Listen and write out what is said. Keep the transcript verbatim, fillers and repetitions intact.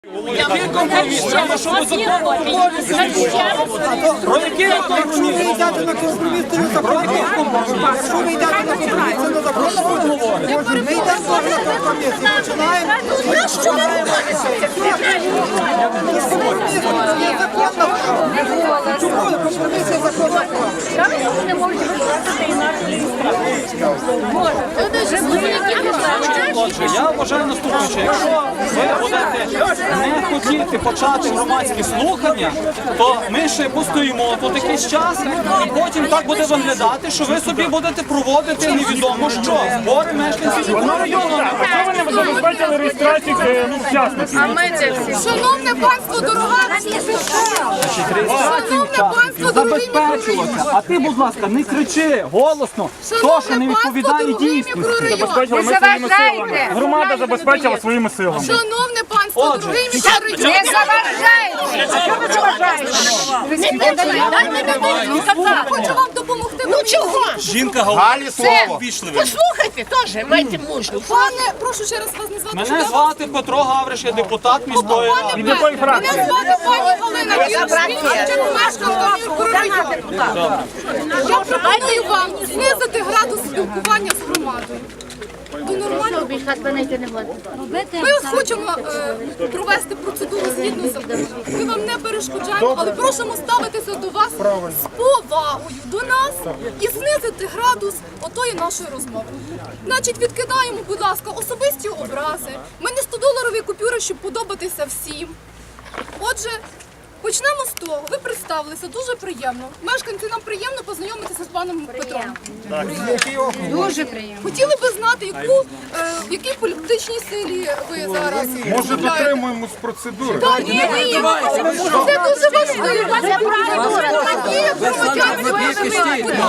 Який компроміс? Треба, щоб закон обов'язково. Про який компроміс? Якщо ви йдете на компроміс, то не запрошуємо. Якщо ви йдете на компроміс, то не запрошуємо. Ми йдемо теж на компроміс і починаємо. Компроміс є законно. Чому компроміс є законно? Отже, я вважаю наступне, що якщо ви будете не хотіти почати громадські слухання, то ми ще постоїмо тут якийсь час, і потім так буде виглядати, що ви собі будете проводити невідомо що, збори мешканців. Чого ви не забезпечили реєстрацію учасників? Шановне панство, дорога! Шановне панство, дорогі Забезпечуватися. А ти, будь ласка, не кричи голосно, то, що не відповідає дійсності. Забезпечили ми своїми силами. Громада забезпечила своїми силами. Шановне панство, Отже, дорогі мікрорайони! Не заважайте! Чого ви заважаєте? Хочу вам допомогти. Ну чого? Жінка говорить слово. Послухайте теж, майте мужність. Пане, прошу ще раз вас назвати. Мене звати Петро Гавриш, я депутат міської ради. Від якої Мене фракції? звати пані Галина Віршин, мешканка мікрорайону. Я пропоную вам знизити градус спілкування з громадою. До нормального. Ми хочемо е, провести процедуру згідно з законом. Ми вам не перешкоджаємо, але просимо ставитися до вас з повагою до нас і знизити градус отої нашої розмови. Значить, відкидаємо, будь ласка, особисті образи. Ми не стодоларові купюри, щоб подобатися всім. Отже, почнемо з того. Ви представилися, дуже приємно. Мешканці, нам приємно познайомитися з паном Петром. Дуже приємно. Хотіли би знати, яку, е, в якій політичній силі ви зараз. Може, дотримуємось процедури? Так, ні, ні, це дуже важливо. Це правильно.